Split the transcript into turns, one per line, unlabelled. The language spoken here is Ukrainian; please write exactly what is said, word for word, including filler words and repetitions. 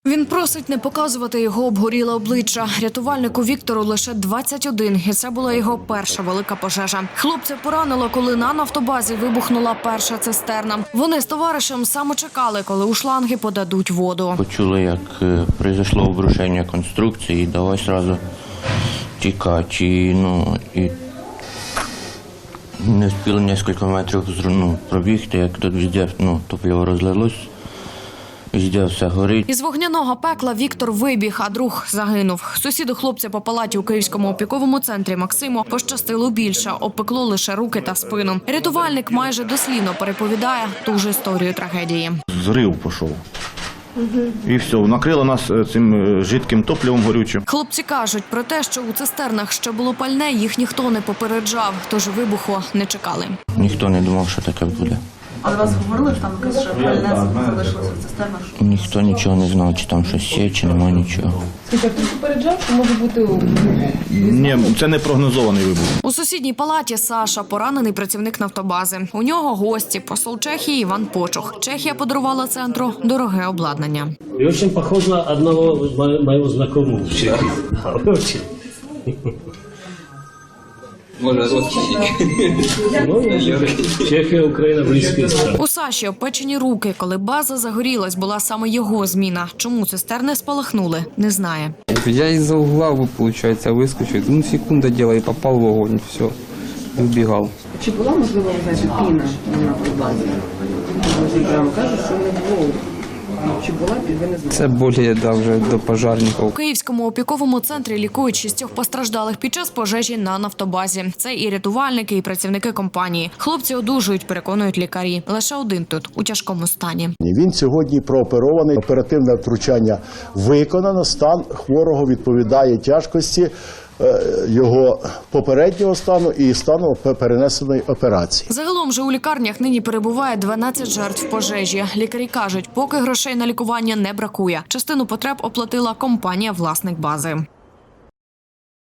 Він просить не показувати його обгоріле обличчя. Рятувальнику Віктору лише двадцять один, і це була його перша велика пожежа. Хлопця поранило, коли на нафтобазі вибухнула перша цистерна. Вони з товаришем саме чекали, коли у шланги подадуть воду.
Почули, як е, пройшло обрушення конструкції, і давай одразу тікати. І, ну, і не встигли кілька метрів ну, пробігти, як тут везде ну, топливо розлилось. Везде все горить.
Із вогняного пекла Віктор вибіг, а друг загинув. Сусіду хлопця по палаті у Київському опіковому центрі Максиму пощастило більше, обпекло лише руки та спину. Рятувальник майже дослівно переповідає ту ж історію трагедії.
Зрив пішов. І все, накрило нас цим жидким топливом горючим.
Хлопці кажуть про те, що у цистернах ще було пальне, їх ніхто не попереджав, тож вибуху не чекали.
Ніхто не думав, що таке буде.
Але вас говорили, що там якесь ще пальне залишилося в цистернах?
Ніхто нічого не знав, чи там щось є, чи немає нічого.
Скажіть, а хтось попереджав, що може бути...
Ні, це не прогнозований вибух.
У сусідній палаті Саша, поранений працівник нафтобази. У нього гості, посол Чехії Іван Почух. Чехія подарувала центру дороге обладнання.
И очень похож на одного мо- моего знакомого в Чехии. Да, очень.
Може, родственники.
Ну, Чехия, Украина, близкие страны.
У Саші опечені руки, коли база загорілась, була саме його зміна. Чому цистерни спалахнули, не знає.
Я из-за угла, получается, выскочил. Ну, секунда дела, и попал в огонь, все. И убегал.
Чи була, можливо, знаєте, піна на нафтобазі? Прямо кажуть, що не було. Чи була, ви не знаєте?
Це більше, да, вже до пожарників.
У Київському опіковому центрі лікують шістьох постраждалих під час пожежі на нафтобазі. Це і рятувальники, і працівники компанії. Хлопці одужують, переконують лікарі. Лише один тут у тяжкому стані.
Він сьогодні прооперований, оперативне втручання виконано, стан хворого відповідає тяжкості е, його попереднього стану і стану перенесеної операції.
Загалом же у лікарнях нині перебуває дванадцять жертв пожежі. Лікарі кажуть, поки грошей на лікування не бракує. Частину потреб оплатила компанія-власник бази.